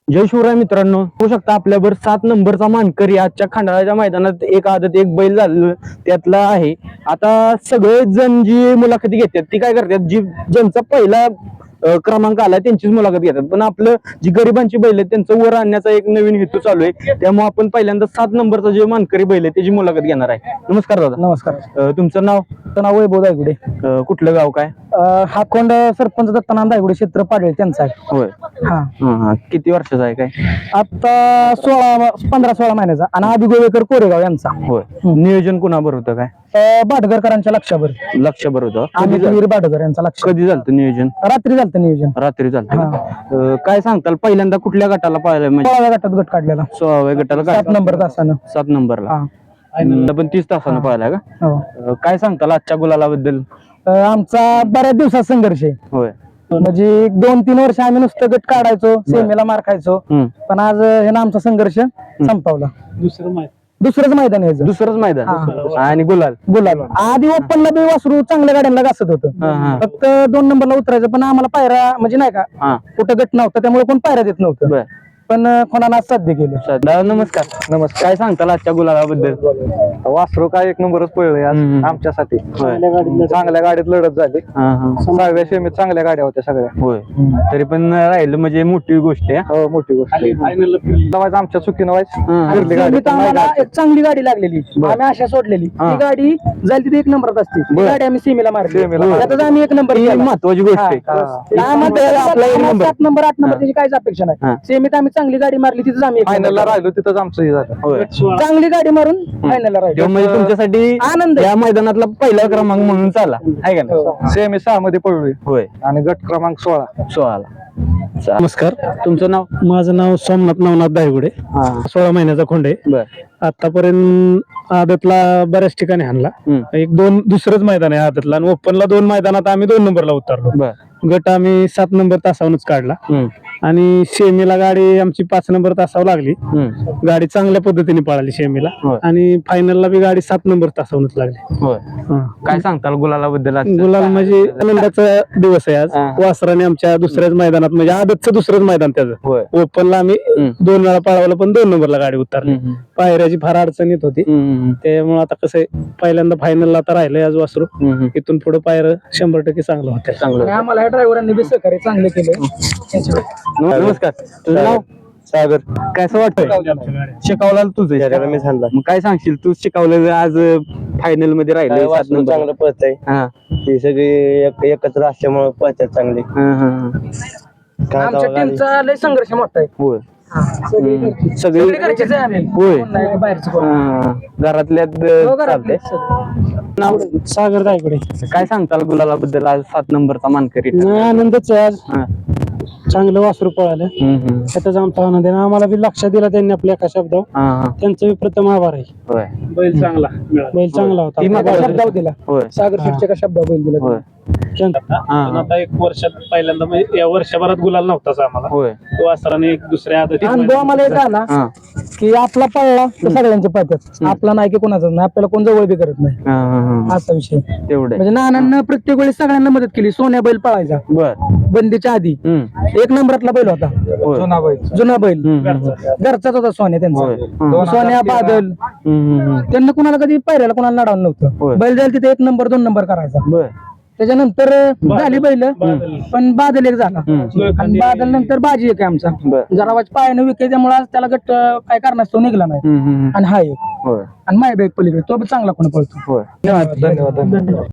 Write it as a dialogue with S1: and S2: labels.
S1: जय शिवराय मित्रांनो, होऊ शकता आपल्यावर 7 नंबरचा मानकरी आजच्या खंडाळ्याच्या मैदानात एक आदत एक बैल झालं त्यातला आहे. आता सगळेच जण जी मुलाखती घेतात ती काय करतात, ज्यांचा पहिला क्रमांक आलाय त्यांचीच मुलाखत घेतात, पण आपलं जी गरिबांची बैल आहेत त्यांचं वर आणण्याचा एक नवीन हेतू चालू आहे. त्यामुळे आपण पहिल्यांदा 7 नंबरचा जे मानकरी बैल आहे त्याची मुलाखत घेणार आहे. नमस्कार दादा.
S2: नमस्कार.
S1: तुमचं नाव?
S2: नाव वैभव दायगुडे.
S1: कुठलं गाव काय?
S2: हा कोंड सरपंच दत्तानाथ दायगुडे क्षेत्र पाडळे त्यांचा आहे.
S1: होय.
S2: हा
S1: किती वर्षाचा आहे काय?
S2: आता 15-16 महिन्याचा. आणि आधी गोवेकर कोरेगाव यांचा.
S1: होय. नियोजन कुणाबर होतं काय?
S2: बाटघरकरांच्या लक्षावर.
S1: लक्षाबर होतं.
S2: आम्ही वीर बाटघर यांचा लक्ष.
S1: कधी झालं नियोजन?
S2: रात्री झालं नियोजन.
S1: रात्री झालं. काय सांगताल, पहिल्यांदा कुठल्या गटाला पाहिलं? म्हणजे
S2: 16व्या गटात गट काढलेला.
S1: 16व्या गटाला
S2: 7 नंबर तासानं.
S1: 7 नंबरला पण 30 तासानं पाहिला का?
S2: हो.
S1: काय सांगताल आजच्या गुलालाबद्दल?
S2: आमचा बऱ्याच दिवसात संघर्ष आहे.
S1: होय.
S2: म्हणजे 2-3 वर्ष आम्ही नुसतं गट काढायचो, सेमीला मार खायचो. पण आज हे ना आमचा संघर्ष संपवला. दुसरंच मैदान यायचं.
S1: दुसरंच मैदान आणि गुलाल.
S2: आधी ओपनला बी वासरू चांगल्या गाड्यांना घासत होतं. फक्त 2 नंबरला उतरायचं, पण आम्हाला पायरा म्हणजे नाही का कुठं गट नव्हतं त्यामुळे कोण पायरा देत नव्हतं. पण कोणाला साध्य केलं.
S1: नमस्कार. काय सांगताल आजच्या गुलालाबद्दल?
S3: वासरू काय एक नंबरच पळले आज आमच्यासाठी. चांगल्या गाडीत लढत झाली. 6व्या सेमीत चांगल्या गाड्या होत्या सगळ्या.
S1: होय. तरी पण राहिलं म्हणजे मोठी गोष्ट आहे.
S3: हो, मोठी गोष्ट. आमच्या चुकीनं
S2: आम्हाला एक चांगली गाडी लागलेली, आम्ही आशा सोडलेली. ती गाडी जाईल तिथे 1 नंबरात असते. ती गाडी आम्ही सेमीला मारली, त्यातच आम्ही 1 नंबर.
S1: महत्वाची गोष्ट आहे.
S2: 7 नंबर 8 नंबर त्याची काहीच अपेक्षा नाही. सेमीत आम्ही चांगली गाडी मारली, तिथंच आम्ही
S3: फायनलला राहिलो, तिथंच आमचं हे झालं.
S2: चांगली गाडी मारून फायनलला राहिलो.
S1: म्हणजे तुमच्यासाठी
S2: आनंद
S1: या मैदानातला पहिला क्रमांक म्हणून चाला आहे का नाही?
S3: सेमी 6 मध्ये पळलोय.
S1: होय.
S3: आणि गट क्रमांक 16.
S1: नमस्कार. तुमचं नाव?
S2: माझं नाव सोमनाथ नवनाथ दायगुडे. 16 महिन्याचा खोंड आहे.
S1: बर.
S2: आतापर्यंत आदतला बऱ्याच ठिकाणी हाणला. 1-2 दुसरंच मैदान आहे आदतला. आणि ओपनला 2 मैदानात आम्ही 2 नंबरला उतरलो. गट आम्ही 7 नंबर तासावरच काढला. आणि शेमीला गाडी आमची 5 नंबर तासावर लागली. गाडी चांगल्या पद्धतीने पळाली शेमीला. आणि फायनलला बी गाडी 7 नंबर तासावरच लागली.
S1: काय सांगताल गुलालाबद्दल?
S2: गुलाल म्हणजे आनंदाचा दिवस आहे आज. वासराने आमच्या दुसऱ्याच मैदानात, म्हणजे आदतचं दुसरंच मैदान त्याचं. ओपनला आम्ही 2 वेळा पळवलं, पण 2 नंबरला गाडी उतरली. पायऱ्याची फार अडचण येत होती, त्यामुळे आता कसं आहे, पहिल्यांदा फायनलला आता राहिलंय आज वासरू. इथून पुढे पायऱ्या 100% चांगलं होतं. आम्हाला ड्रायव्हरांनी बी सहकार्य चांगलं केलं.
S1: नमस्कार. तुझं नाव?
S3: सागर.
S1: कसं वाटतंय? शिकवला तुझं
S3: मी सांगला.
S1: मग काय सांगशील, तू शिकवलं आज फायनल मध्ये राहिलं 7 नंबर.
S3: चांगलं पळत आहे. ही सगळी एकत्र असल्यामुळे पळतात चांगली.
S2: आमच्या टीमचा लय संघर्ष मोठा आहे.
S1: होय.
S2: सगळी घरचीच आहे आम्ही.
S1: होय.
S2: कोण नाही, बाहेरचं कोण.
S1: घरातल्यात
S2: घरातले.
S1: नाव?
S2: सागर दायगुडे.
S1: काय सांगताल गुलालाबद्दल? आज 7 नंबरचा मानकरी.
S2: आनंदच आहे आज. चांगलं वासरू पळालं, त्याचाच आमचा आनंद आहे. आम्हाला बी लक्ष दिला त्यांनी आपल्या एका शब्दावर. त्यांचं बी प्रथम आभार आहे. बैल चांगला होता. शब्दावर दिला. सागर शेटच्या का शब्दावर बैल दिला.
S4: आता 1 वर्षात पहिल्यांदा, म्हणजे या वर्षभरात गुलाल नव्हताच आम्हाला. तो वासराने एक दुसऱ्या आदतीत
S2: अनुभव आम्हाला एक आला की आपला पळला तर सगळ्यांचे पळतात, आपला नाही की कोणाचाच नाही, आपल्याला कोण जवळ बी करत नाही, असा विषय.
S1: तेवढे
S2: म्हणजे नानांना प्रत्येक वेळेस सगळ्यांना मदत केली. सोन्या बैल पळायचा बंदीच्या आधी. 1 नंबरातला बैल होता, जुना बैल घरचाच होता सोन्या त्यांचा. सोन्या बादल त्यांना कुणाला कधी पायऱ्याला कुणाला लढावलं नव्हतं. बैल जाईल तिथे 1 नंबर 2 नंबर करायचा. त्याच्यानंतर झाली बैल, पण बादल एक झाला. आणि बादल नंतर बाजी एक आहे आमचा. जरा पायानं विके, त्यामुळे त्याला गट काय करण्यास तो निघला नाही. आणि हा एक आणि माय बॅग पलीकडे तो बी चांगला कोण पळतो.
S3: धन्यवाद.